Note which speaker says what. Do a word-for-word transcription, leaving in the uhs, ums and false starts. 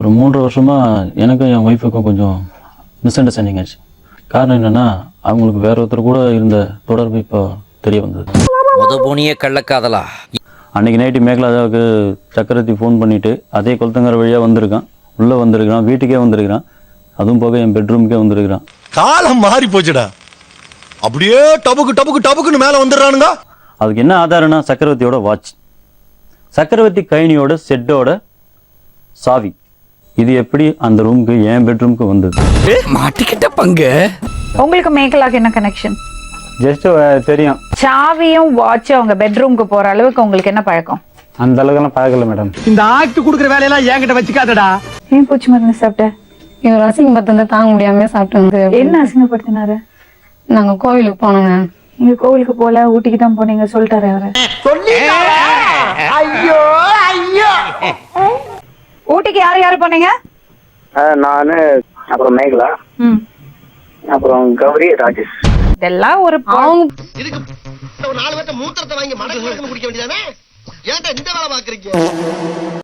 Speaker 1: ஒரு மூன்று வருஷமா எனக்கும் என் ஒய்ஃபுக்கும் கொஞ்சம் மிஸ் அண்டர்ஸ்டாண்டிங் ஆச்சு. காரணம் என்னன்னா, அவங்களுக்கு வேற ஒருத்தர் கூட இருந்த தொடர்பு இப்போ தெரிய வந்தது.
Speaker 2: உதபோனிய கள்ளக்காதலா?
Speaker 1: அன்னைக்கு நைட்டு மேகலாதாவுக்கு சக்கரவர்த்தி ஃபோன் பண்ணிட்டு அதே கொளுத்தங்கர வழியாக வந்திருக்கான், உள்ளே வந்திருக்கிறான், வீட்டுக்கே வந்திருக்கிறான், அதுவும் போக என் பெட்ரூமுக்கே வந்திருக்கிறான்.
Speaker 3: காலம் மாறி போச்சுடா, அப்படியே டபுக்கு டபுக்கு டபுக்குன்னு மேலே வந்துடுறானுங்க.
Speaker 1: அதுக்கு என்ன ஆதாரம்னா சக்கரவர்த்தியோட வாட்ச், சக்கரவர்த்தி கைனியோட செட்டோட சாவி. இது எப்படி அந்த ரூமுக்கு என் பெட்ரூமுக்கு வந்தது?
Speaker 2: மாட்டிக்கிட்ட பங்கு.
Speaker 4: உங்களுக்கு மேகலாக்கு என்ன கனெக்ஷன்?
Speaker 5: ஜஸ்ட் தெரியும்.
Speaker 4: சாவியும் வாட்சும் அவங்க பெட்ரூமுக்கு போற அளவுக்கு உங்களுக்கு என்ன பழக்கம்?
Speaker 5: அந்த அளவுக்கு பழகல மேடம்.
Speaker 6: இந்த ஆக்ட் குடுக்குற வேலையெல்லாம் என்கிட்ட வச்சுக்காதடா.
Speaker 4: ஏன் பூச்சி மருந்து சாப்பிட்ட?
Speaker 7: இவர் அசிங்கப்படுத்த தாங்க முடியாம சாப்பிட்டு.
Speaker 4: என்ன அசிங்கப்படுத்தினாரு?
Speaker 7: நாங்க கோவிலுக்கு போனோங்க.
Speaker 4: நீங்க கோவிலுக்கு போல, ஊட்டிக்கு தான் போனீங்க சொல்லிட்டாரு அவரு.
Speaker 6: ஐயோ ஐயோ.
Speaker 4: ஊட்டிக்கு யாரு யாரு போனீங்க?
Speaker 8: நானு, அப்புறம் மேகலா, அப்புறம் கௌரி, ராஜேஷ்.
Speaker 4: இதெல்லாம் ஒரு
Speaker 6: இதுக்கு நாலு பேர்த்த மூத்திரத்தை வாங்கி மடக்கு மடக்குன்னு குடிக்க வேண்டியதானே? ஏன்டா இந்த வேலை பாக்குறீங்க?